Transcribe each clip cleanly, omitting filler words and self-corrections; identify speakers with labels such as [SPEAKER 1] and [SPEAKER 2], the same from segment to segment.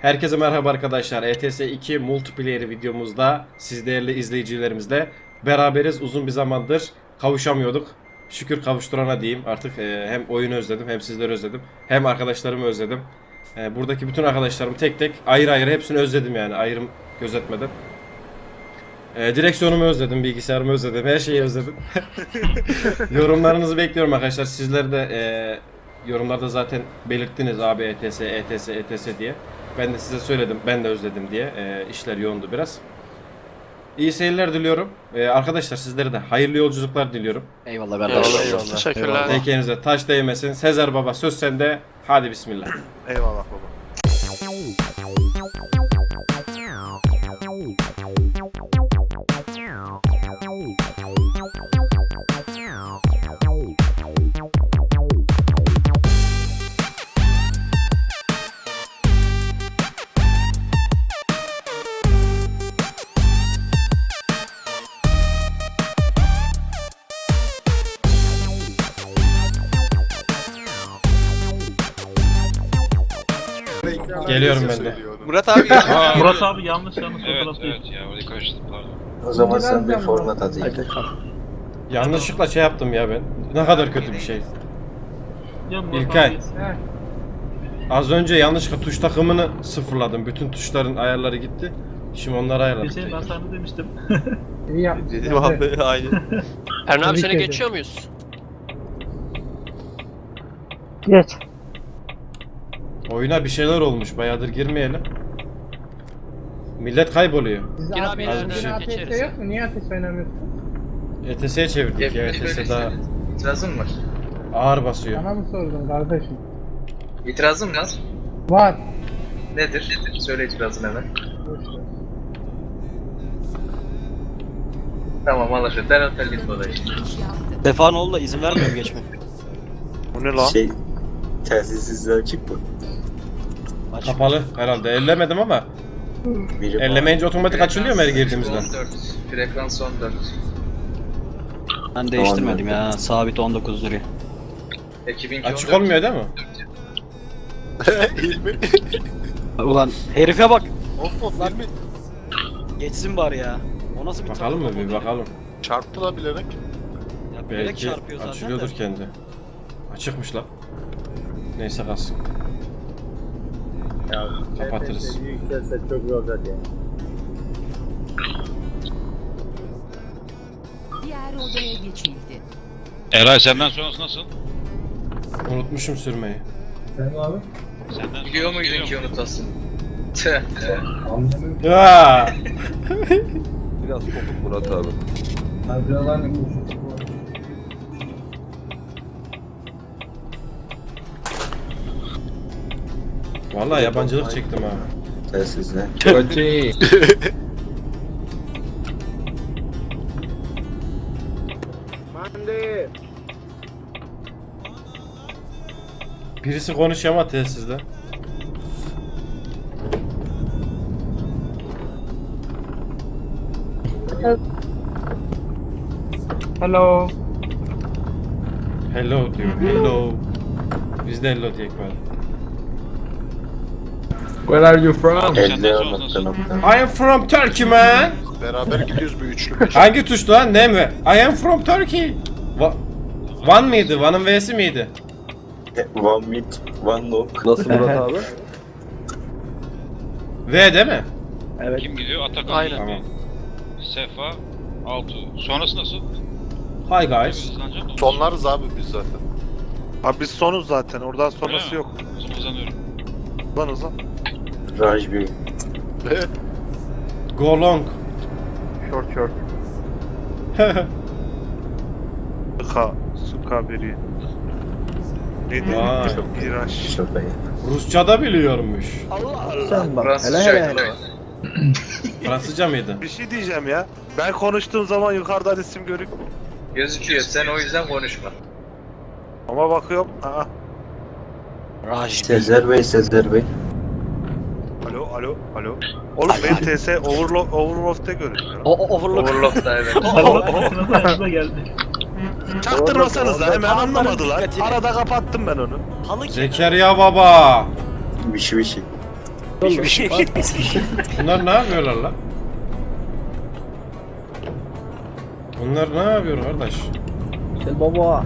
[SPEAKER 1] Herkese merhaba arkadaşlar. ETS 2 multiplayer videomuzda siz değerli izleyicilerimizle beraberiz. Uzun bir zamandır kavuşamıyorduk. Şükür kavuşturana diyeyim. Artık hem oyunu özledim, hem sizleri özledim, hem arkadaşlarımı özledim. Buradaki bütün arkadaşlarımı tek tek ayrı ayrı hepsini özledim yani. Ayrım gözetmedim. Direksiyonumu özledim, bilgisayarımı özledim, her şeyi özledim. Yorumlarınızı bekliyorum arkadaşlar. Sizler de yorumlarda zaten belirttiniz abi ETS, ETS, ETS diye. Ben de size söyledim, ben de özledim diye. İşler yoğundu biraz. İyi seyirler diliyorum. Arkadaşlar sizlere de hayırlı yolculuklar diliyorum.
[SPEAKER 2] Eyvallah kardeşim.
[SPEAKER 3] Eyvallah. Teşekkürler.
[SPEAKER 1] Tekenize taş değmesin. Sezer Baba söz sende. Hadi bismillah.
[SPEAKER 3] Eyvallah baba.
[SPEAKER 1] Geliyorum ben de.
[SPEAKER 3] Murat abi
[SPEAKER 4] Murat abi yanlış
[SPEAKER 5] Evet,
[SPEAKER 4] fotoğraf değil.
[SPEAKER 5] evet ya orayı karıştırdım pardon.
[SPEAKER 6] O zaman sen bir format atayım.
[SPEAKER 1] Yanlışlıkla şey yaptım ya ben. Ne kadar kötü bir şey.
[SPEAKER 4] Ya Murat
[SPEAKER 1] İlkay.
[SPEAKER 4] abi-
[SPEAKER 1] Az önce yanlışlıkla tuş takımını sıfırladım. Bütün tuşların ayarları gitti. Şimdi onları ayarladım.
[SPEAKER 4] Bir şey ben
[SPEAKER 1] tekrar.
[SPEAKER 4] sana demiştim.
[SPEAKER 7] İyi yapmışsın.
[SPEAKER 3] dedim abi aynı.
[SPEAKER 2] Erhan abi seni
[SPEAKER 7] ederim.
[SPEAKER 2] geçiyor muyuz?
[SPEAKER 7] Geç.
[SPEAKER 1] Oyuna bir şeyler olmuş. Bayağıdır girmeyelim. Millet kayboluyor.
[SPEAKER 7] Siz
[SPEAKER 2] Gir abi,
[SPEAKER 1] az bir şey.
[SPEAKER 7] ATS yok mu? Niye ATS oynamıyorsun?
[SPEAKER 1] ETS'ye çevirdik ya. ETS daha
[SPEAKER 8] İtirazım var.
[SPEAKER 1] ağır basıyor.
[SPEAKER 7] Bana mı sordun kardeşim?
[SPEAKER 8] İtirazım var.
[SPEAKER 7] Var.
[SPEAKER 8] Nedir? Söyle itirazını hemen.
[SPEAKER 7] Boş ver.
[SPEAKER 8] Tamam anlaşıldı. Derhal telgin dolayı.
[SPEAKER 2] Stefanoğlu'na izin vermiyorum geçme.
[SPEAKER 3] Bu ne lan?
[SPEAKER 6] Telsizsizler açık mı?
[SPEAKER 2] Aç.
[SPEAKER 1] Kapalı herhalde. Ellemedim ama.
[SPEAKER 6] Biri
[SPEAKER 1] Ellemeyince otomatik açılıyor mu her girdiğimizde?
[SPEAKER 8] 14. Frekans 14.
[SPEAKER 2] Ben değiştirmedim ya. Sabit 19 duruyor.
[SPEAKER 8] Ekibinki
[SPEAKER 1] Açık
[SPEAKER 8] 14.
[SPEAKER 1] olmuyor değil mi?
[SPEAKER 3] İlmi.
[SPEAKER 2] Ulan herife bak.
[SPEAKER 3] Of of İlmi.
[SPEAKER 2] Geçsin bari ya. O nasıl bir
[SPEAKER 1] Bakalım mı
[SPEAKER 2] trafik
[SPEAKER 1] bir
[SPEAKER 2] oldu
[SPEAKER 1] bakalım.
[SPEAKER 3] Çarptı lan bilerek.
[SPEAKER 2] Ya bilerek
[SPEAKER 1] Belki
[SPEAKER 2] çarpıyor zaten
[SPEAKER 1] açılıyordur
[SPEAKER 2] de.
[SPEAKER 1] kendi. Açıkmış lan. Neyse kalsın. Kapatırız.
[SPEAKER 7] Yükselse çok iyi olacak ya.
[SPEAKER 9] Diğer odaya geçildi.
[SPEAKER 5] Eray senden sonrası nasıl?
[SPEAKER 1] Unutmuşum sürmeyi.
[SPEAKER 7] Sen abi?
[SPEAKER 5] Senden
[SPEAKER 8] Biliyor
[SPEAKER 5] sonrası
[SPEAKER 8] muydun ki
[SPEAKER 5] geliyor mu?
[SPEAKER 8] unutasın? Tüh.
[SPEAKER 7] Anlamıyorum.
[SPEAKER 1] Ya.
[SPEAKER 6] Biraz kopuk Murat abi.
[SPEAKER 7] Harcalar ne konuşuyor?
[SPEAKER 1] Vallahi yabancılık çektim ha.
[SPEAKER 6] Telsizler.
[SPEAKER 1] Birisi konuşuyor ama telsizde.
[SPEAKER 7] Hello.
[SPEAKER 1] Hello diyor. Hello. Biz de hello diyek var.
[SPEAKER 7] Where are you from?
[SPEAKER 5] Abi senden
[SPEAKER 6] 50
[SPEAKER 5] sonrası
[SPEAKER 6] nokta
[SPEAKER 5] nasıl?
[SPEAKER 6] nokta.
[SPEAKER 1] I am from Turkey man.
[SPEAKER 3] Beraber gidiyoruz bir üçlü.
[SPEAKER 1] Hangi tuştu lan? Ne mi? I am from Turkey. One mıydı? One'ın V'si miydi?
[SPEAKER 6] One mid, one lock. Nasıl Murat abi?
[SPEAKER 1] V değil mi?
[SPEAKER 5] Kim gidiyor? Atakan.
[SPEAKER 2] Aynen.
[SPEAKER 1] Tamam.
[SPEAKER 5] Sefa. Altu. Sonrası nasıl?
[SPEAKER 1] Hi guys.
[SPEAKER 5] Hızlanacak mı?
[SPEAKER 3] Sonlarız abi biz zaten. Abi biz sonuz zaten. Oradan sonrası
[SPEAKER 5] Öyle mi?
[SPEAKER 3] yok.
[SPEAKER 5] Hızlanıyorum.
[SPEAKER 3] Lan hızlan.
[SPEAKER 6] Raj bir.
[SPEAKER 1] Go long.
[SPEAKER 3] Short short. Suka biri. Neydi?
[SPEAKER 1] Vay.
[SPEAKER 3] İraş.
[SPEAKER 6] Şofayı.
[SPEAKER 1] Rusça da biliyormuş.
[SPEAKER 7] Sen bak.
[SPEAKER 8] Fransızcaydı lan.
[SPEAKER 1] Fransızca mıydı?
[SPEAKER 3] Bir şey diyeceğim ya. Ben konuştuğum zaman yukarıdan isim görük.
[SPEAKER 8] Gözüküyor. Sen o yüzden konuşma.
[SPEAKER 3] Ama bakıyorum. Aa.
[SPEAKER 2] Raj.
[SPEAKER 6] Sezer Bey, Sezer Bey.
[SPEAKER 3] Alo alo alo. Oğlum benim TS Overloft'te görünüyor.
[SPEAKER 2] Overlock.
[SPEAKER 8] Overlock'ta evet.
[SPEAKER 4] Nasıl aklına geldi?
[SPEAKER 3] Çaktırmasanız da hemen
[SPEAKER 2] Adamların
[SPEAKER 3] anlamadılar.
[SPEAKER 2] dikkatini.
[SPEAKER 3] Arada kapattım ben onu.
[SPEAKER 2] Halı kim?
[SPEAKER 1] Zekeriya baba.
[SPEAKER 6] Bir şey.
[SPEAKER 1] Bunlar ne yapıyorlar lan? Bunlar ne yapıyor kardeş?
[SPEAKER 7] Gel baba.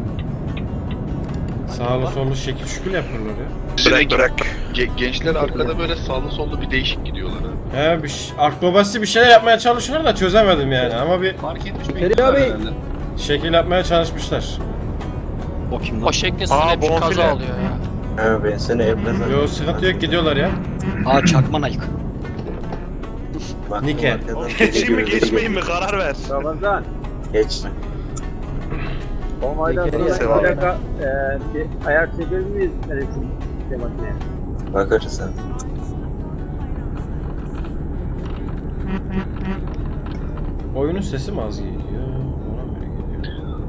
[SPEAKER 1] Sağlı sollu şekil şükür yapıyorlar ya.
[SPEAKER 3] Bırak.
[SPEAKER 6] Gençler arkada böyle sağlı sollu bir değişik gidiyorlar ha.
[SPEAKER 1] He akrobasi bir şeyler yapmaya çalışıyorlar da çözemedim yani ama bir
[SPEAKER 6] Fark etmiş
[SPEAKER 7] Feri abi.
[SPEAKER 1] şekil yapmaya çalışmışlar.
[SPEAKER 2] O kim lan?
[SPEAKER 10] O şeklinde hep bir kaza oluyor ya.
[SPEAKER 6] Ha ben seni evden
[SPEAKER 1] Yo sıkıntı yok gidiyorlar ya.
[SPEAKER 2] Aa çakma Nike.
[SPEAKER 1] Nike.
[SPEAKER 3] Geçeyim mi geçmeyeyim mi karar ver.
[SPEAKER 7] Ramazan.
[SPEAKER 6] Geçme.
[SPEAKER 7] O aydan sonra
[SPEAKER 3] Seval.
[SPEAKER 7] bir dakika bir ayar çekebilir miyiz resim makineye?
[SPEAKER 6] Bakarız sen.
[SPEAKER 1] Oyunun sesi mi az geliyor? Bana mı öyle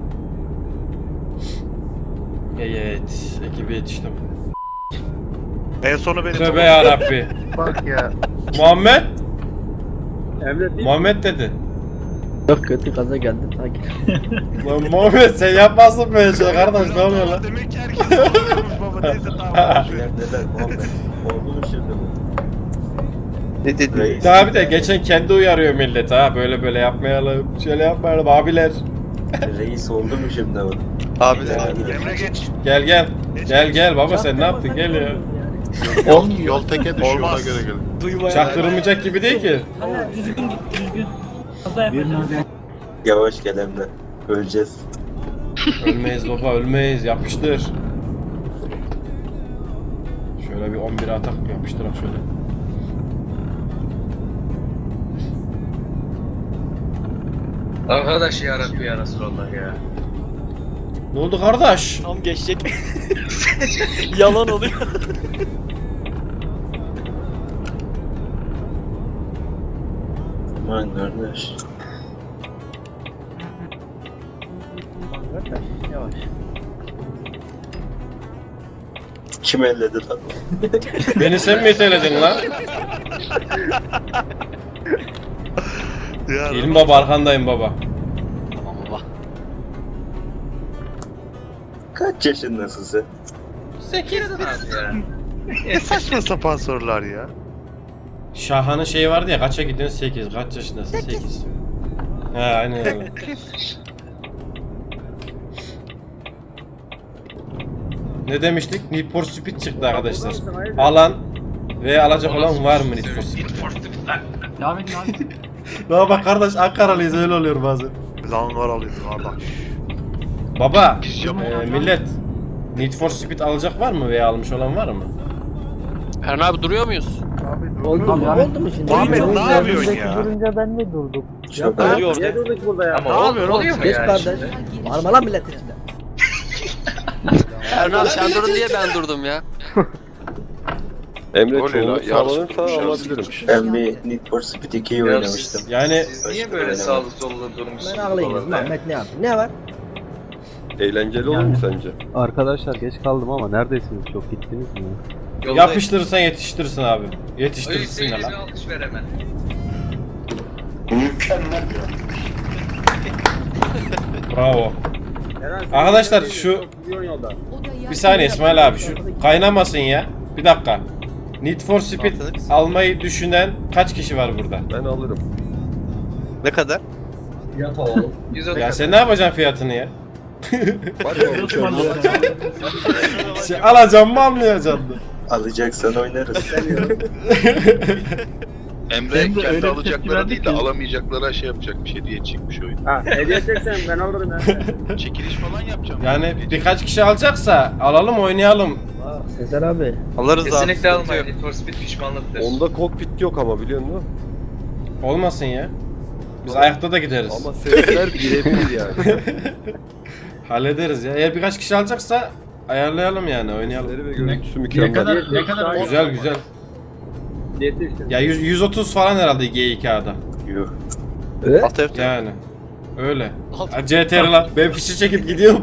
[SPEAKER 1] geliyor? Evet, ekibe yetiştim.
[SPEAKER 3] En sonu benim.
[SPEAKER 1] Tövbe yarabbi.
[SPEAKER 3] Bak ya.
[SPEAKER 1] Muhammed?
[SPEAKER 7] Emre değil.
[SPEAKER 1] Muhammed dedi.
[SPEAKER 7] Çok kötü kaza geldi sanki.
[SPEAKER 1] Lan Muhammed sen yapmazsın böyle şey kardeş ne oluyor lan?
[SPEAKER 3] Demek ki herkes oluyormuş baba. Neyse tamam.
[SPEAKER 6] Neler Muhammed? Oldu mu şimdi bu?
[SPEAKER 3] Ne dedi?
[SPEAKER 6] Reis.
[SPEAKER 1] Daha bir de geçen kendi uyarıyor millet ha böyle yapmayalım, şöyle yapmayalım abiler.
[SPEAKER 6] Reis oldu mu şimdi bu?
[SPEAKER 3] Abiler. Emre geç.
[SPEAKER 1] Gel baba sen ne yaptın gel ya.
[SPEAKER 6] Yol teke düşüyor
[SPEAKER 3] Olmaz.
[SPEAKER 6] ona göre gelin.
[SPEAKER 1] Çaktırılmayacak gibi değil ki.
[SPEAKER 4] Hala düzgün. Kaza yapacağız.
[SPEAKER 6] Yavaş gel Emre. Öleceğiz.
[SPEAKER 1] Ölmeyiz baba ölmeyiz yapıştır. Şöyle bir 11 atak yapıştırak şöyle.
[SPEAKER 8] Arkadaş ya Rabbi ya Resulallah ya.
[SPEAKER 1] Ne oldu kardeş?
[SPEAKER 2] Tam geçecek. Yalan oluyor.
[SPEAKER 6] Aman kardeş.
[SPEAKER 7] Yavaş.
[SPEAKER 6] Kim elledi lan?
[SPEAKER 1] Beni sen mi iteledin lan?
[SPEAKER 3] Ya.
[SPEAKER 1] İlim baba arkandayım baba.
[SPEAKER 2] Tamam baba.
[SPEAKER 6] Kaç yaşındasın sen?
[SPEAKER 8] Abi ya.
[SPEAKER 3] Ne saçma sapan sorular ya.
[SPEAKER 1] Şahan'ın şeyi vardı ya kaça gidiyorsun 8 kaç yaşındasın 8. He aynen öyle. Ne demiştik? Need for Speed çıktı arkadaşlar. Alan ve alacak olan var mı Need for Speed?
[SPEAKER 4] Devam edin abi.
[SPEAKER 1] Daha bak kardeş Ankaralıyız öyle oluyor bazen.
[SPEAKER 3] Biz Ankaralıyız kardeş.
[SPEAKER 1] Baba millet Need for Speed alacak var mı veya almış olan var mı?
[SPEAKER 10] Eren abi duruyor muyuz?
[SPEAKER 7] Oldu mu? Oldu mu şimdi?
[SPEAKER 3] Muhammed ne yapıyorsun ya?
[SPEAKER 7] Durunca ben de durdum.
[SPEAKER 6] Çok
[SPEAKER 2] Oluyor
[SPEAKER 6] iyi.
[SPEAKER 2] orada.
[SPEAKER 7] Niye durduk burada ya?
[SPEAKER 8] Ama oluyor mu
[SPEAKER 7] Geç
[SPEAKER 8] yani
[SPEAKER 7] kardeş.
[SPEAKER 8] şimdi?
[SPEAKER 7] Bağırma lan milletin içinde.
[SPEAKER 10] Eren abi sen durdun diye ben durdum ya.
[SPEAKER 6] Emre çoğunluk sağlanırsa alabilirim. Ben bir Need for Speed 2'yi
[SPEAKER 8] Ya
[SPEAKER 6] oynamıştım.
[SPEAKER 1] Yani
[SPEAKER 8] Siz niye böyle sağlı sollu durmuşsunuz?
[SPEAKER 7] Ben ağlayayım. Mehmet ne yaptı? Ne var?
[SPEAKER 6] Eğlenceli olur mu sence?
[SPEAKER 11] Arkadaşlar geç kaldım ama neredesiniz? Çok gittiniz mi?
[SPEAKER 8] Yoldayım.
[SPEAKER 1] yapıştırırsan yetiştirirsin abi.
[SPEAKER 8] O
[SPEAKER 1] Yetiştirirsin ya
[SPEAKER 8] yüzden
[SPEAKER 1] lan.
[SPEAKER 8] alkış ver hemen.
[SPEAKER 1] Bravo. Arkadaşlar şu bir saniye İsmail abi şu kaynamasın ya. Bir dakika. Need for Speed almayı düşünen kaç kişi var burada?
[SPEAKER 6] Ben alırım.
[SPEAKER 11] Ne kadar?
[SPEAKER 7] Fiyat alalım.
[SPEAKER 8] 110
[SPEAKER 1] Ya sen ne yapacaksın fiyatını ya?
[SPEAKER 6] Var ya
[SPEAKER 1] Alacağım mı almayacaksın mı?
[SPEAKER 6] alacaksan oynarız.
[SPEAKER 4] Emre
[SPEAKER 6] Emre
[SPEAKER 4] öyle bir
[SPEAKER 6] kendi
[SPEAKER 4] tepki
[SPEAKER 6] alacaklara
[SPEAKER 4] verdi
[SPEAKER 6] değil
[SPEAKER 4] ki.
[SPEAKER 6] de alamayacaklara şey yapacakmış, hediye çıkmış oyun.
[SPEAKER 7] Ha hediye çeksen ben alırım ya.
[SPEAKER 6] Çekiliş falan yapacağım.
[SPEAKER 1] Yani birkaç kişi alacaksa alalım oynayalım.
[SPEAKER 7] Sezer abi.
[SPEAKER 11] Alırız
[SPEAKER 8] Kesinlikle almayın. Need for Speed pişmanlıktır.
[SPEAKER 6] Onda kokpit yok ama biliyor musun?
[SPEAKER 1] Olmasın ya. Biz ayakta da gideriz.
[SPEAKER 6] Ama sesler birebir yani.
[SPEAKER 1] Hallederiz ya. Eğer birkaç kişi alacaksa ayarlayalım yani oynayalım.
[SPEAKER 6] Sesleri ve görüntüsü mükemmel.
[SPEAKER 7] Ne kadar?
[SPEAKER 1] Güzel güzel.
[SPEAKER 7] Diyeti işte.
[SPEAKER 1] Ya 130 falan herhalde G2A'da.
[SPEAKER 6] Yok.
[SPEAKER 1] Yani. Öyle. Ha, CTR lan. Ben fişi çekip gidiyorum.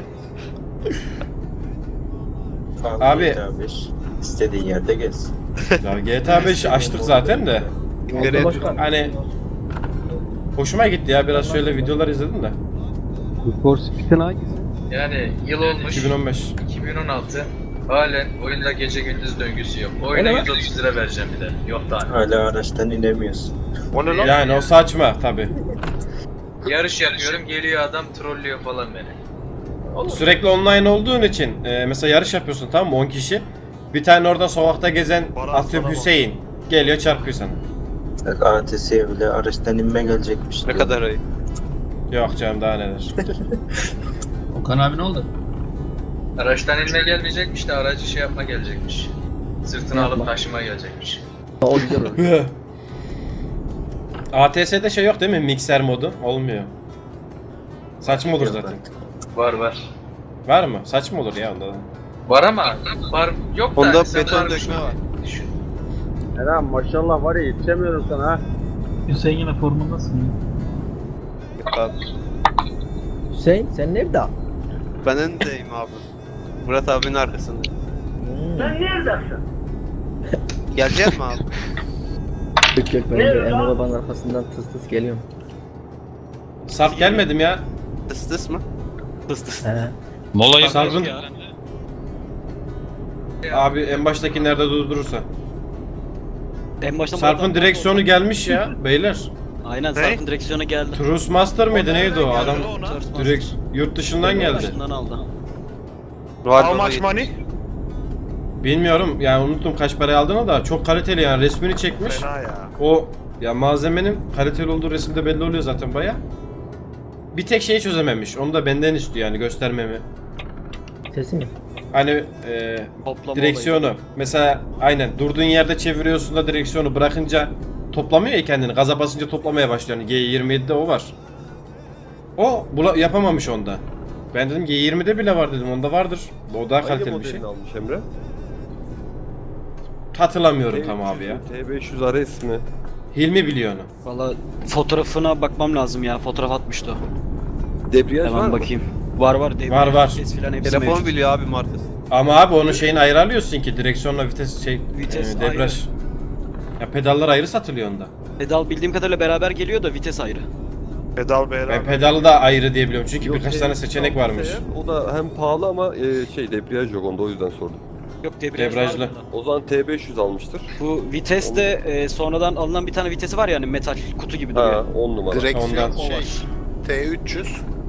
[SPEAKER 1] Abi.
[SPEAKER 6] GTA 5. İstediğin yerde gez.
[SPEAKER 1] Ya GTA 5 açtık zaten de. Hani hoşuma gitti ya biraz şöyle videolar izledim de.
[SPEAKER 11] For Speed'in hangisi?
[SPEAKER 8] Yani yıl olmuş.
[SPEAKER 1] 2015.
[SPEAKER 8] 2016. Halen oyunda gece gündüz döngüsü yok. Oyuna 130 lira vereceğim bir de. Yok daha.
[SPEAKER 6] Hala araçtan inemiyorsun.
[SPEAKER 3] O ne lan?
[SPEAKER 1] Yani o saçma tabi.
[SPEAKER 8] Yarış yapıyorum, geliyor adam trollüyor falan beni.
[SPEAKER 1] Sürekli online olduğun için mesela yarış yapıyorsun, tamam mı, 10 kişi. Bir tane orada sokakta gezen
[SPEAKER 3] Bana
[SPEAKER 1] atıyorum
[SPEAKER 3] sana
[SPEAKER 1] Hüseyin geliyor çarpıyor sana.
[SPEAKER 6] Bak ATS'ye bile araçtan inme gelecekmiş.
[SPEAKER 11] Ne
[SPEAKER 6] diyor.
[SPEAKER 11] kadar ayıp.
[SPEAKER 1] Yok canım daha neler.
[SPEAKER 4] Okan abi ne oldu?
[SPEAKER 8] Araçtan inme gelmeyecekmiş de aracı şey yapma gelecekmiş. Sırtına alıp taşıma gelecekmiş.
[SPEAKER 2] O güzel olur.
[SPEAKER 1] ATS'de şey yok değil mi, mikser modu? Olmuyor. Saçma olur
[SPEAKER 6] Yok
[SPEAKER 1] zaten.
[SPEAKER 6] artık.
[SPEAKER 8] Var.
[SPEAKER 1] Var mı? Saçma olur ya onda da.
[SPEAKER 8] Var ama var yok da.
[SPEAKER 11] Onda
[SPEAKER 8] hani sen
[SPEAKER 11] beton
[SPEAKER 8] varmış
[SPEAKER 11] dökme
[SPEAKER 8] gibi
[SPEAKER 11] var.
[SPEAKER 8] düşün.
[SPEAKER 7] Eren maşallah var ya yetişemiyorum sana ha.
[SPEAKER 4] Hüseyin yine formundasın ya.
[SPEAKER 11] Yok abi.
[SPEAKER 2] Hüseyin sen nerede?
[SPEAKER 11] Ben öndeyim abi. Murat abinin arkasındayım.
[SPEAKER 7] Sen neredesin?
[SPEAKER 11] Gelecek mi abi?
[SPEAKER 2] Yok yok ben de Emre babanın arkasından tıs tıs geliyorum.
[SPEAKER 1] Sarp gelmedim ya.
[SPEAKER 11] Tıs tıs mı?
[SPEAKER 2] Tıs tıs. He.
[SPEAKER 5] Mola
[SPEAKER 1] Sarp'ın-
[SPEAKER 5] yapıyoruz ya.
[SPEAKER 1] Abi en baştaki nerede durdurursa.
[SPEAKER 2] En başta
[SPEAKER 1] Sarp'ın direksiyonu gelmiş ya beyler.
[SPEAKER 2] Aynen
[SPEAKER 3] Ne?
[SPEAKER 2] Sarp'ın direksiyonu geldi.
[SPEAKER 1] Truss Master mıydı neydi o adam?
[SPEAKER 2] Turf
[SPEAKER 1] Direkt yurt dışından geldi.
[SPEAKER 2] Başından aldı.
[SPEAKER 11] Var
[SPEAKER 3] How
[SPEAKER 11] baba,
[SPEAKER 3] much money?
[SPEAKER 1] Bilmiyorum yani, unuttum kaç paraya aldığını da çok kaliteli yani, resmini çekmiş.
[SPEAKER 3] Fena ya.
[SPEAKER 1] O ya malzemenin kaliteli olduğu resimde belli oluyor zaten baya. Bir tek şeyi çözememiş. Onu da benden istiyor yani, göstermemi.
[SPEAKER 2] Sesi mi?
[SPEAKER 1] Hani
[SPEAKER 2] Toplama
[SPEAKER 1] direksiyonu mesela aynen durduğun yerde çeviriyorsun da direksiyonu bırakınca toplamıyor ya kendini. Gaza basınca toplamaya başlıyor. Yani G27'de o var. O yapamamış onda. Ben dedim G20'de bile var dedim. Onda vardır. O daha kaliteli bir şey.
[SPEAKER 6] almış Emre?
[SPEAKER 1] Hatırlamıyorum tam abi ya.
[SPEAKER 6] T500 RS mi?
[SPEAKER 1] Hilmi biliyor onu.
[SPEAKER 2] Valla fotoğrafına bakmam lazım ya. Fotoğraf atmıştı o.
[SPEAKER 6] Debriyaj var
[SPEAKER 2] Hemen
[SPEAKER 6] mı?
[SPEAKER 2] bakayım. Var. debriyaj,
[SPEAKER 1] Var.
[SPEAKER 2] vites filan hepsi
[SPEAKER 11] Telefon
[SPEAKER 2] mevcut.
[SPEAKER 11] biliyor abi markası.
[SPEAKER 1] Ama abi onun şeyini ayrı alıyorsun ki, direksiyonla vites
[SPEAKER 2] Vites
[SPEAKER 1] debriyaj. Ya pedallar ayrı satılıyor onda.
[SPEAKER 2] Pedal bildiğim kadarıyla beraber geliyor da vites ayrı.
[SPEAKER 3] Pedal
[SPEAKER 1] Ben
[SPEAKER 3] beyler.
[SPEAKER 1] pedalı da ayrı diye biliyorum çünkü birkaç tane seçenek varmış.
[SPEAKER 6] O da hem pahalı ama debriyaj yok onda, o yüzden sordum.
[SPEAKER 2] Yok debriyaj
[SPEAKER 1] Debriyajlı.
[SPEAKER 2] var bunda.
[SPEAKER 6] O zaman T500 almıştır.
[SPEAKER 2] Bu vites de sonradan alınan bir tane vitesi var yani metal kutu gibi duruyor.
[SPEAKER 6] Ha 10 numara.
[SPEAKER 1] Ondan.
[SPEAKER 2] O var.
[SPEAKER 8] T300.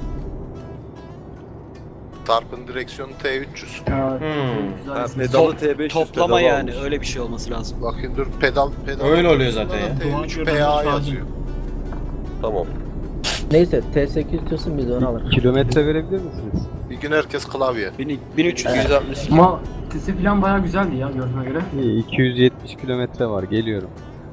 [SPEAKER 8] Sarp'ın direksiyonu T300.
[SPEAKER 1] Hmm.
[SPEAKER 6] Ha, pedalı T500
[SPEAKER 2] Toplama
[SPEAKER 6] pedalı
[SPEAKER 2] yani
[SPEAKER 6] almış.
[SPEAKER 2] öyle bir şey olması lazım.
[SPEAKER 8] Bakın dur pedal.
[SPEAKER 1] Öyle oluyor zaten ya.
[SPEAKER 8] T3PA yazıyor.
[SPEAKER 6] Tamam.
[SPEAKER 2] Neyse T800 diyorsun biz onu alırız.
[SPEAKER 11] Kilometre verebilir misiniz?
[SPEAKER 8] Bir gün herkes klavye.
[SPEAKER 2] 1300.
[SPEAKER 11] 160.
[SPEAKER 4] Ama sesi falan bayağı güzeldi ya gördüğüme göre.
[SPEAKER 11] 270 kilometre var, geliyorum.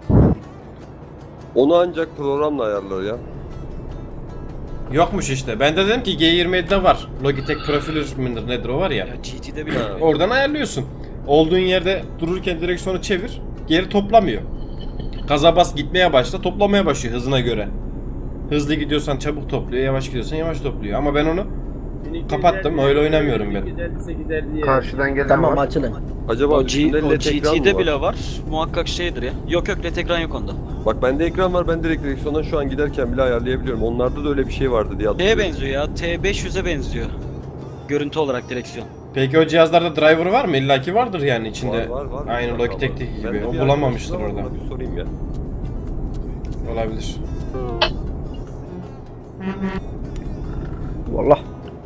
[SPEAKER 6] Onu ancak programla ayarlar ya.
[SPEAKER 1] Yokmuş işte. Ben de dedim ki G27'de var. Logitech Profiler midir nedir o var ya.
[SPEAKER 2] Ya GT'de bile.
[SPEAKER 1] Oradan ayarlıyorsun. Olduğun yerde dururken direksiyonu çevir. Geri toplamıyor. Gaza bas, gitmeye başla, toplamaya başlıyor hızına göre. Hızlı gidiyorsan çabuk topluyor, yavaş gidiyorsan yavaş topluyor. Ama ben onu kapattım, öyle oynamıyorum ben.
[SPEAKER 7] 1258
[SPEAKER 8] Karşıdan gelen
[SPEAKER 2] Tamam
[SPEAKER 8] var.
[SPEAKER 2] açılın.
[SPEAKER 6] Acaba
[SPEAKER 2] O
[SPEAKER 6] üstünde LED ekran mı
[SPEAKER 2] GT'de
[SPEAKER 6] var?
[SPEAKER 2] bile var. Muhakkak şeydir ya. Yok LED ekran yok onda.
[SPEAKER 6] Bak bende ekran var, ben direkt direksiyondan şu an giderken bile ayarlayabiliyorum. Onlarda da öyle bir şey vardı diye
[SPEAKER 2] Şeye
[SPEAKER 6] hatırlıyorum.
[SPEAKER 2] benziyor ya. T500'e benziyor. Görüntü olarak direksiyon.
[SPEAKER 1] Peki o cihazlarda driver var mı? İlla ki vardır yani içinde.
[SPEAKER 6] Var.
[SPEAKER 1] Aynı
[SPEAKER 6] Var,
[SPEAKER 1] Logitech'teki
[SPEAKER 6] var.
[SPEAKER 1] gibi.
[SPEAKER 6] Ben
[SPEAKER 1] O
[SPEAKER 6] bir
[SPEAKER 1] bulamamıştır
[SPEAKER 6] arkadaşım var,
[SPEAKER 1] orada.
[SPEAKER 6] ona bir sorayım ya.
[SPEAKER 1] Olabilir.
[SPEAKER 2] Wallah.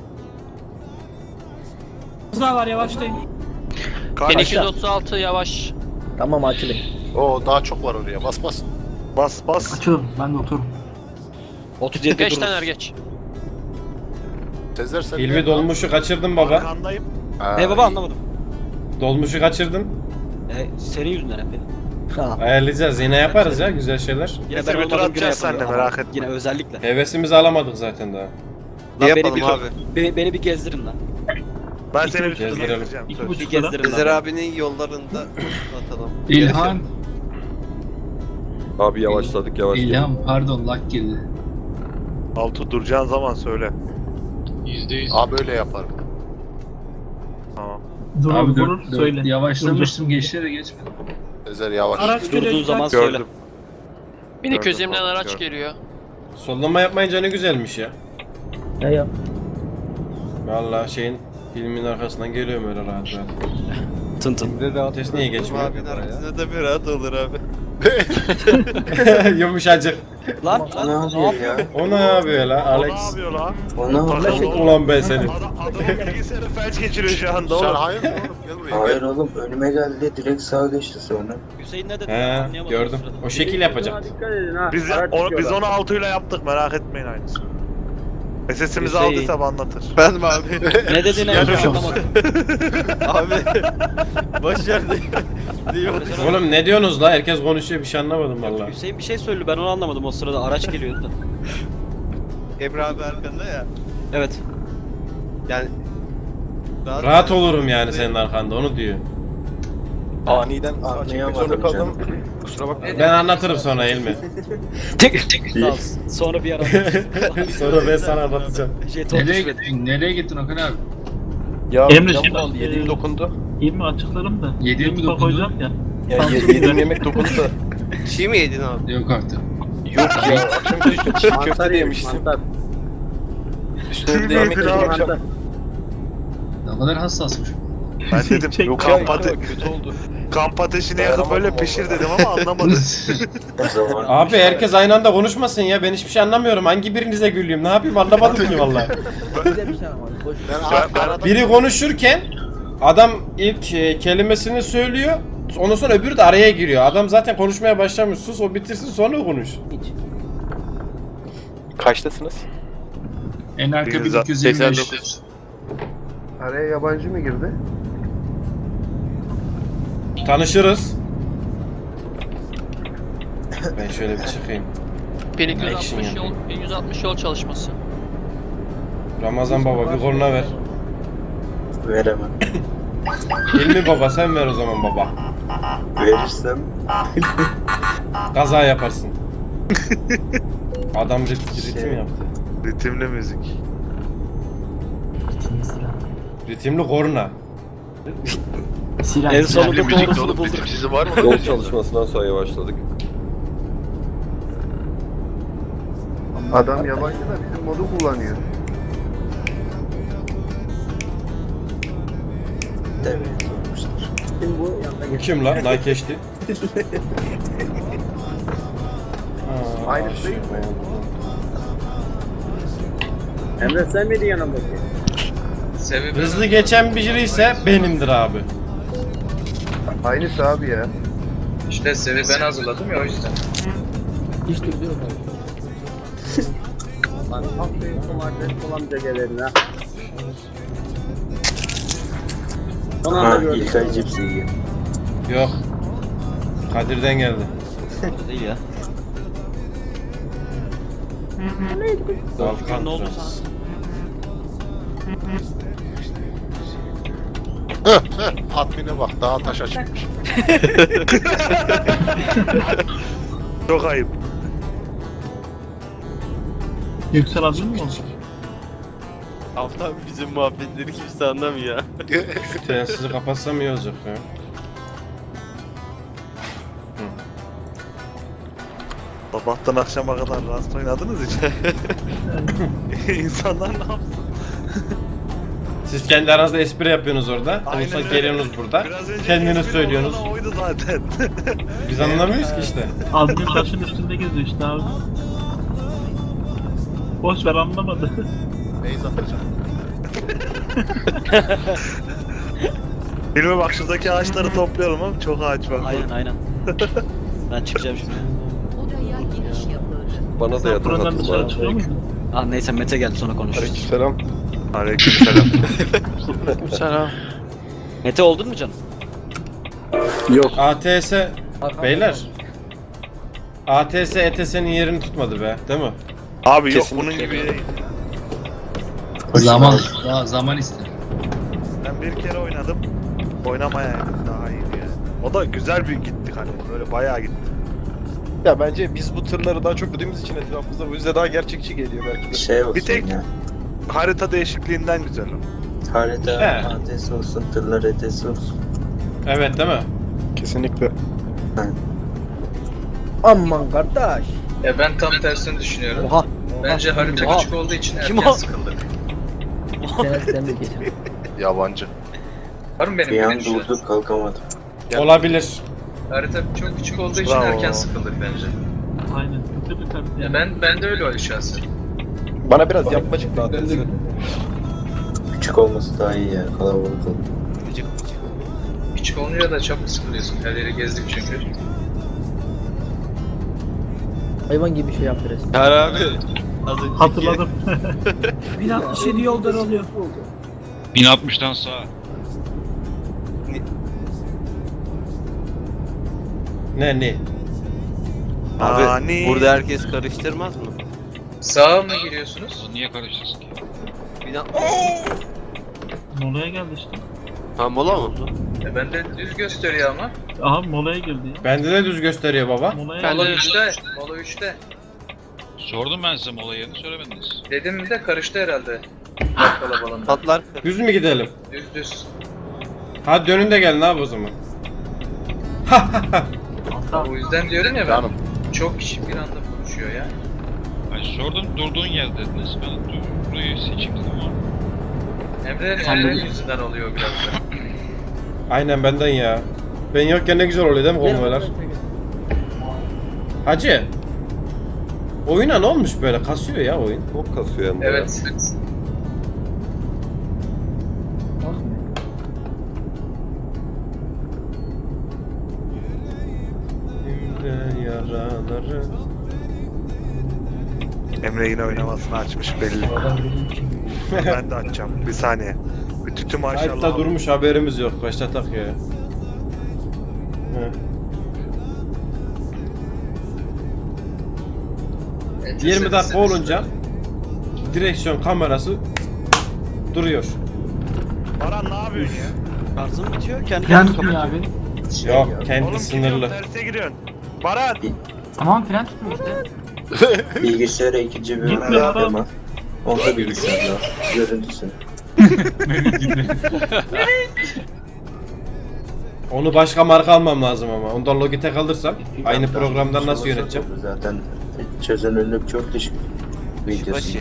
[SPEAKER 4] Hızlar var yavaşlayın.
[SPEAKER 10] 1236 yavaş.
[SPEAKER 2] Tamam açılın.
[SPEAKER 8] Oo daha çok var oraya. Bas bas.
[SPEAKER 3] Bas.
[SPEAKER 4] Açılın ben de otururum.
[SPEAKER 2] 37
[SPEAKER 10] Geç
[SPEAKER 2] dururuz.
[SPEAKER 10] Taner geç.
[SPEAKER 8] Tezer sen
[SPEAKER 1] Hilmi dolmuşu kaçırdın baba.
[SPEAKER 3] Arkandayım.
[SPEAKER 2] Ne baba anlamadım.
[SPEAKER 1] Dolmuşu kaçırdın.
[SPEAKER 2] Senin yüzünden hep. Ha.
[SPEAKER 1] Ayarlayacağız. Yine yaparız ya güzel şeyler.
[SPEAKER 2] Yine
[SPEAKER 3] Getir
[SPEAKER 2] ben
[SPEAKER 3] götür
[SPEAKER 2] olmadığım güne
[SPEAKER 3] atacağız sen de,
[SPEAKER 2] yapalım.
[SPEAKER 3] merak
[SPEAKER 2] Ama
[SPEAKER 3] etme.
[SPEAKER 2] Yine özellikle.
[SPEAKER 1] Hevesimizi alamadık zaten daha.
[SPEAKER 2] Lan
[SPEAKER 11] Ne
[SPEAKER 2] beni
[SPEAKER 11] yapalım
[SPEAKER 2] bir,
[SPEAKER 11] abi?
[SPEAKER 2] Beni bir gezdirin lan.
[SPEAKER 3] Ben seni bir
[SPEAKER 1] Gezdirelim.
[SPEAKER 3] gezdireceğim.
[SPEAKER 4] İki
[SPEAKER 3] söz.
[SPEAKER 4] buçuk
[SPEAKER 2] Bir gezdirin
[SPEAKER 11] Sezer
[SPEAKER 2] lan.
[SPEAKER 11] abinin yollarında atalım.
[SPEAKER 4] İlhan.
[SPEAKER 6] Abi yavaşladık yavaş.
[SPEAKER 4] Pardon lag girdi.
[SPEAKER 3] Altı duracağın zaman söyle.
[SPEAKER 8] Abi böyle yaparım.
[SPEAKER 3] Tamam.
[SPEAKER 4] Abi dur söyle. Yavaşlamıştım geçti de geçmedi.
[SPEAKER 8] Tezer yavaş.
[SPEAKER 4] Araç
[SPEAKER 2] Durduğun zaman söyle.
[SPEAKER 3] Gördüm.
[SPEAKER 10] 1220'den
[SPEAKER 3] Gördüm,
[SPEAKER 10] araç
[SPEAKER 3] gördüm.
[SPEAKER 10] geliyor.
[SPEAKER 1] Sollama yapmayınca ne güzelmiş ya.
[SPEAKER 2] Ya.
[SPEAKER 1] Vallahi şeyin Filmin arkasından geliyorum öyle rahat rahat.
[SPEAKER 2] Tın tın.
[SPEAKER 1] Vites niye geçmiyor?
[SPEAKER 11] Abinin arkasında da bir rahat olur abi.
[SPEAKER 1] Yumuşacık.
[SPEAKER 2] Lan ne yapıyor ya?
[SPEAKER 1] O ne yapıyor la
[SPEAKER 3] O ne
[SPEAKER 1] Alex?
[SPEAKER 3] yapıyor lan?
[SPEAKER 2] Ona
[SPEAKER 1] Ulan ben seni.
[SPEAKER 3] Adamın bilgisayarı felç geçiriyor şu anda oğlum.
[SPEAKER 11] hayır oğlum gel buraya.
[SPEAKER 7] Hayır oğlum önüme geldi direkt sağa geçti sonra.
[SPEAKER 2] Hüseyin ne dedi?
[SPEAKER 1] He
[SPEAKER 2] Anlayamadım
[SPEAKER 1] gördüm.
[SPEAKER 2] o sırada.
[SPEAKER 1] O şekil yapacak.
[SPEAKER 7] Dikkat edin ha.
[SPEAKER 3] Biz onu 6 ile yaptık merak etmeyin aynısı. SS'imizi
[SPEAKER 2] Hüseyin.
[SPEAKER 3] aldıysa anlatır.
[SPEAKER 11] Ben mi abi?
[SPEAKER 2] Ne dediğini en son anlamadım.
[SPEAKER 11] Abi. Boş ver diyor.
[SPEAKER 1] Oğlum ne diyorsunuz la? Herkes konuşuyor bir şey anlamadım vallahi.
[SPEAKER 2] Hüseyin bir şey söyledi ben onu anlamadım o sırada araç geliyordu da.
[SPEAKER 11] Emre abi arkanda ya.
[SPEAKER 2] Evet.
[SPEAKER 11] Yani
[SPEAKER 1] Rahat olurum yani senin arkanda onu diyor.
[SPEAKER 7] Aniden anlayamadım canım.
[SPEAKER 6] Kusura bakma.
[SPEAKER 1] Ben anlatırım sonra Elmi.
[SPEAKER 2] Sağ ol. Sonra bir ara.
[SPEAKER 1] Sonra ben sana anlatacağım.
[SPEAKER 2] Jeton
[SPEAKER 4] Nereye
[SPEAKER 2] düşmedi.
[SPEAKER 4] gittin? Nereye gittin Okan abi?
[SPEAKER 6] Ya
[SPEAKER 7] Emre
[SPEAKER 6] cam
[SPEAKER 7] şimdi
[SPEAKER 6] kaldı, yediğim dokundu.
[SPEAKER 7] İyi mi açıklarım da.
[SPEAKER 4] Yediğim mi
[SPEAKER 7] YouTube'a
[SPEAKER 4] dokundu?
[SPEAKER 7] koyacağım ya.
[SPEAKER 6] Ya yediğim yemek dokundu da.
[SPEAKER 11] çiğ mi yedin abi?
[SPEAKER 4] Yok artık.
[SPEAKER 6] Yok ya akşam işte çiğ köfte de yemiştim. Üstüne bir de yemek yedim akşam.
[SPEAKER 4] Ne kadar hassasmış.
[SPEAKER 3] Ben dedim
[SPEAKER 6] Yok kötü oldu.
[SPEAKER 3] kamp ateşini yakıp böyle pişir dedim ama anlamadım.
[SPEAKER 1] Abi herkes aynı anda konuşmasın ya. Ben hiçbir şey anlamıyorum. Hangi birinize gülüyorum? Ne yapayım anlamadım ki vallahi. Biri konuşurken adam ilk kelimesini söylüyor. Ondan sonra öbürü de araya giriyor. Adam zaten konuşmaya başlamış. Sus o bitirsin sonra konuş.
[SPEAKER 6] Kaçtasınız?
[SPEAKER 4] En arka 1225.
[SPEAKER 6] Araya yabancı mı girdi?
[SPEAKER 1] Tanışırız. Ben şöyle bir çıkayım.
[SPEAKER 10] 1160 yol, 1160 yol çalışması.
[SPEAKER 1] Ramazan baba bir koluna ver.
[SPEAKER 7] Veremem.
[SPEAKER 1] Hilmi baba sen ver o zaman baba.
[SPEAKER 7] Verirsem
[SPEAKER 1] Kaza yaparsın. Adam ritim yaptı.
[SPEAKER 3] Ritimli müzik.
[SPEAKER 1] Ritimli korna.
[SPEAKER 2] En sonunda doğrusunu bulduk.
[SPEAKER 11] Sizi var mı?
[SPEAKER 6] Yol çalışmasından sonra yavaşladık.
[SPEAKER 12] Adam yabancı da bizim modu kullanıyor.
[SPEAKER 7] devreye sokmuşlar. Şimdi bu yanına
[SPEAKER 1] Bu kim lan? Daha geçti.
[SPEAKER 12] Aynı
[SPEAKER 1] aşık
[SPEAKER 12] değil mi?
[SPEAKER 1] oldum.
[SPEAKER 7] Emre sen miydin yanımdaki?
[SPEAKER 8] Sebebi
[SPEAKER 1] Hızlı geçen biri ise benimdir abi.
[SPEAKER 12] Aynısı abi ya.
[SPEAKER 8] işte sebebi ben hazırladım ya o yüzden.
[SPEAKER 7] Hiç durdurum abi. Lan aferin son adres olamayacak gelerin ha. Son anda gördüm. İlkay cipsi yiyor.
[SPEAKER 1] Yok. Kadir'den geldi.
[SPEAKER 2] Değil ya.
[SPEAKER 1] Balkan
[SPEAKER 2] Ne oldu
[SPEAKER 1] Trans.
[SPEAKER 11] Admin'e bak daha taşa çıkmış.
[SPEAKER 3] Çok ayıp.
[SPEAKER 7] Yüksel abi mi oldu?
[SPEAKER 11] Hafta bizim muhabbetleri kimse anlamıyor.
[SPEAKER 1] Şu telsizi kapatsam iyi olacak ya.
[SPEAKER 3] Sabahtan akşama kadar Rust oynadınız için. İnsanlar ne yapsın?
[SPEAKER 1] Siz kendi aranızda espri yapıyorsunuz orada.
[SPEAKER 3] Aynen
[SPEAKER 1] Olsa
[SPEAKER 3] öyle.
[SPEAKER 1] geliyorsunuz burada.
[SPEAKER 3] Biraz önce
[SPEAKER 1] Kendiniz
[SPEAKER 3] espri
[SPEAKER 1] söylüyorsunuz.
[SPEAKER 3] olan oydu zaten.
[SPEAKER 1] Biz anlamıyoruz ki işte.
[SPEAKER 7] Abinin taşın üstünde geziyor işte abi. Boş ver anlamadı.
[SPEAKER 11] Beyz atacağım.
[SPEAKER 3] Bilme bak şuradaki ağaçları toplayalım ama çok ağaç var.
[SPEAKER 2] Aynen. Ben çıkacağım şimdi.
[SPEAKER 9] Odaya giriş yapıldı.
[SPEAKER 6] Bana da yatak
[SPEAKER 7] Buradan dışarı
[SPEAKER 6] atıldı.
[SPEAKER 7] çıkıyor muydun?
[SPEAKER 2] Ah neyse Mete geldi sonra konuşuruz.
[SPEAKER 6] Aleykümselam.
[SPEAKER 3] Aleykümselam.
[SPEAKER 10] Selam.
[SPEAKER 2] Mete oldun mu canım?
[SPEAKER 1] ATS beyler. ATS ETS'nin yerini tutmadı be, değil mi?
[SPEAKER 3] Abi yok
[SPEAKER 6] Kesinlikle
[SPEAKER 3] bunun gibi değil.
[SPEAKER 4] Zaman ister.
[SPEAKER 3] Ben bir kere oynadım. Oynamaya daha iyiydi yani. O da güzel bir gittik hani böyle bayağı gitti.
[SPEAKER 6] Ya bence biz bu tırları daha çok gördüğümüz için etrafımızda bu yüzden daha gerçekçi geliyor belki de.
[SPEAKER 7] Şey olsun
[SPEAKER 3] Bir tek-
[SPEAKER 7] ya.
[SPEAKER 3] Harita değişikliğinden güzel o.
[SPEAKER 7] Harita
[SPEAKER 1] He.
[SPEAKER 7] adresi olsun, tırlar adresi olsun.
[SPEAKER 1] Evet değil mi?
[SPEAKER 6] Kesinlikle.
[SPEAKER 7] Aman kardeş.
[SPEAKER 8] Ben tam tersini düşünüyorum.
[SPEAKER 2] Oha.
[SPEAKER 8] Bence harita
[SPEAKER 2] Oha.
[SPEAKER 8] küçük olduğu için
[SPEAKER 2] Kim
[SPEAKER 8] erken
[SPEAKER 2] o?
[SPEAKER 8] sıkıldık.
[SPEAKER 7] Sen de geçelim.
[SPEAKER 3] Yabancı.
[SPEAKER 8] Var mı benim gibi şu an?
[SPEAKER 11] kalkamadım.
[SPEAKER 1] Olabilir.
[SPEAKER 8] Harita çok küçük olduğu için
[SPEAKER 3] Bravo.
[SPEAKER 8] erken sıkıldık bence.
[SPEAKER 4] Aynen. Kötü bir harita.
[SPEAKER 8] Ya ben de öyle oluyor şahsen.
[SPEAKER 6] Bana biraz yapmacık daha dersin.
[SPEAKER 11] Küçük olması daha iyi ya, kalabalık olur.
[SPEAKER 8] Küçük olunca da çabuk sıkılıyorsun. Her yeri gezdik çünkü.
[SPEAKER 7] Hayvan gibi bir şey yaptı resmen.
[SPEAKER 11] Her abi. Az önceki...
[SPEAKER 4] Hatırladım.
[SPEAKER 7] 1067 yol daralıyor.
[SPEAKER 5] 1060'tan sağa.
[SPEAKER 1] Ne?
[SPEAKER 11] Abi
[SPEAKER 3] Ani.
[SPEAKER 11] burada herkes karıştırmaz mı?
[SPEAKER 8] Sağa mı giriyorsunuz?
[SPEAKER 5] O niye karıştırsın ki?
[SPEAKER 4] Molaya geldi işte.
[SPEAKER 11] Ha mola mı?
[SPEAKER 8] Ben de düz gösteriyor ama.
[SPEAKER 4] Aha molaya girdi ya.
[SPEAKER 1] Bende de düz gösteriyor baba.
[SPEAKER 4] Molaya
[SPEAKER 8] Mola
[SPEAKER 4] geldi.
[SPEAKER 8] 3'te. Mola 3'te.
[SPEAKER 5] Sordum ben size mola yerini söylemediniz.
[SPEAKER 8] Dedim mi de karıştı herhalde. Bak kalabalığında.
[SPEAKER 11] Patlar.
[SPEAKER 1] Düz mü gidelim?
[SPEAKER 8] Düz.
[SPEAKER 1] Hadi dönün de gelin abi o zaman.
[SPEAKER 8] O yüzden diyorum ya ben. Çok kişi bir anda konuşuyor ya.
[SPEAKER 5] Ay sordum durduğun yer dediniz. Ben durduğu seçim dedim ama.
[SPEAKER 8] Emre'nin yüzünden oluyor biraz da.
[SPEAKER 1] Aynen benden ya. Ben yokken ne güzel oluyor değil mi konvoylar? Hacı. Oyuna ne olmuş böyle? Kasıyor ya oyun.
[SPEAKER 6] Çok kasıyor hem de.
[SPEAKER 8] Evet.
[SPEAKER 1] Yaraları.
[SPEAKER 3] Emre yine oynamasını açmış belli. Ben de açacağım. Bir saniye. Bir tütü maşallah.
[SPEAKER 1] Kayıtta durmuş haberimiz yok. Başlatak ya. Hı. 20 dakika olunca direksiyon kamerası duruyor.
[SPEAKER 3] Baran ne yapıyorsun ya?
[SPEAKER 2] Şarjım bitiyor. Kendi
[SPEAKER 4] Fren
[SPEAKER 2] kendine
[SPEAKER 4] tutmuyor
[SPEAKER 2] kapatıyor.
[SPEAKER 4] abi.
[SPEAKER 1] Yok kendi
[SPEAKER 3] Oğlum
[SPEAKER 1] sınırlı.
[SPEAKER 3] gidiyorsun, terse giriyorsun. Baran!
[SPEAKER 4] Tamam fren tutmuyor işte.
[SPEAKER 11] Bilgisayara ikinci bir
[SPEAKER 4] Gitme adam.
[SPEAKER 11] ama. Onda bilgisayar var. Görüntüsü.
[SPEAKER 1] Onu başka marka almam lazım ama. Ondan Logitech alırsam aynı programdan nasıl yöneteceğim?
[SPEAKER 11] Zaten çözünürlük çok düşük. Videosu.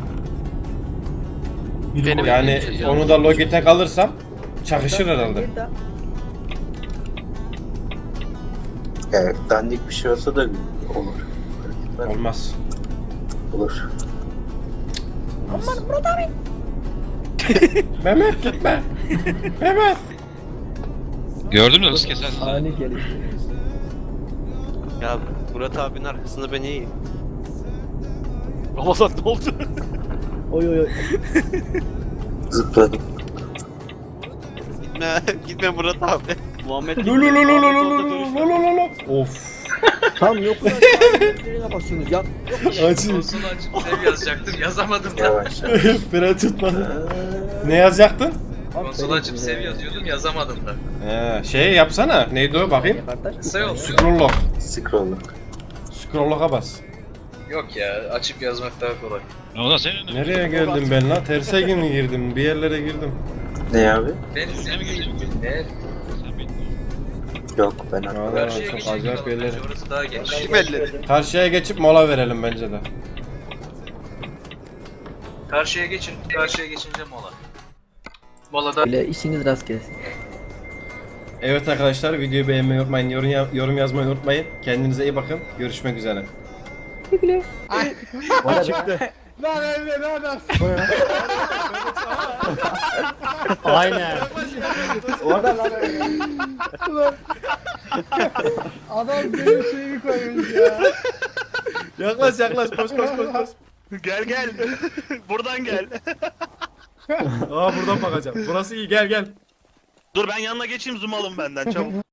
[SPEAKER 1] Yani onu da Logitech alırsam çakışır herhalde.
[SPEAKER 11] Evet, dandik bir şey olsa da olur.
[SPEAKER 1] Olmaz.
[SPEAKER 11] Olur.
[SPEAKER 1] Aman Murat abi. Mehmet gitme. Mehmet.
[SPEAKER 5] Gördün mü hız kesersin.
[SPEAKER 7] Ani geliş.
[SPEAKER 11] Ya Murat abinin arkasında ben iyiyim.
[SPEAKER 2] Ramazan ne oldu?
[SPEAKER 7] Oy.
[SPEAKER 11] Zıpladım. Gitme Murat abi.
[SPEAKER 2] Muhammed
[SPEAKER 1] Of.
[SPEAKER 7] Tam yok lan. Frene basıyorsunuz ya.
[SPEAKER 1] Acı.
[SPEAKER 8] Konsolu açıp sev yazacaktım. Yazamadım da.
[SPEAKER 11] Yavaş yavaş.
[SPEAKER 1] Fren tutmadı. Ne yazacaktın?
[SPEAKER 8] Konsolu açıp sev yazıyordum. Yazamadım da.
[SPEAKER 1] Şey yapsana. Neydi o bakayım?
[SPEAKER 8] Kısa yol.
[SPEAKER 1] Scroll lock.
[SPEAKER 11] Scroll'luk.
[SPEAKER 1] Scroll lock'a bas.
[SPEAKER 8] Yok ya. Açıp yazmak daha kolay.
[SPEAKER 5] O da senin.
[SPEAKER 1] Nereye geldim ben lan? Terse mi girdim? Bir yerlere girdim.
[SPEAKER 11] Ne abi?
[SPEAKER 8] Ben
[SPEAKER 5] Sen mi geçtin?
[SPEAKER 8] Ne?
[SPEAKER 5] Sen bildin.
[SPEAKER 11] Yok ben
[SPEAKER 1] Aa,
[SPEAKER 11] atladım.
[SPEAKER 8] Karşıya
[SPEAKER 1] çok
[SPEAKER 8] geçelim
[SPEAKER 1] acayip
[SPEAKER 8] bakalım.
[SPEAKER 1] yerlere.
[SPEAKER 8] Bence orası daha geniş.
[SPEAKER 1] Karşıya geçip mola verelim bence de.
[SPEAKER 8] Karşıya geçin. Karşıya geçince mola. Molada
[SPEAKER 7] Öyle işiniz rast gelsin.
[SPEAKER 1] Evet arkadaşlar videoyu beğenmeyi unutmayın. Yorum yazmayı unutmayın. Kendinize iyi bakın. Görüşmek üzere.
[SPEAKER 7] Çıktı.
[SPEAKER 1] Aynen.
[SPEAKER 7] Orada lan. Adam benim şeyimi koymuş ya.
[SPEAKER 1] Yaklaş koş.
[SPEAKER 3] Gel. Buradan gel.
[SPEAKER 1] Aa buradan bakacağım. Burası iyi gel.
[SPEAKER 3] Dur ben yanına geçeyim zoom alın benden çabuk.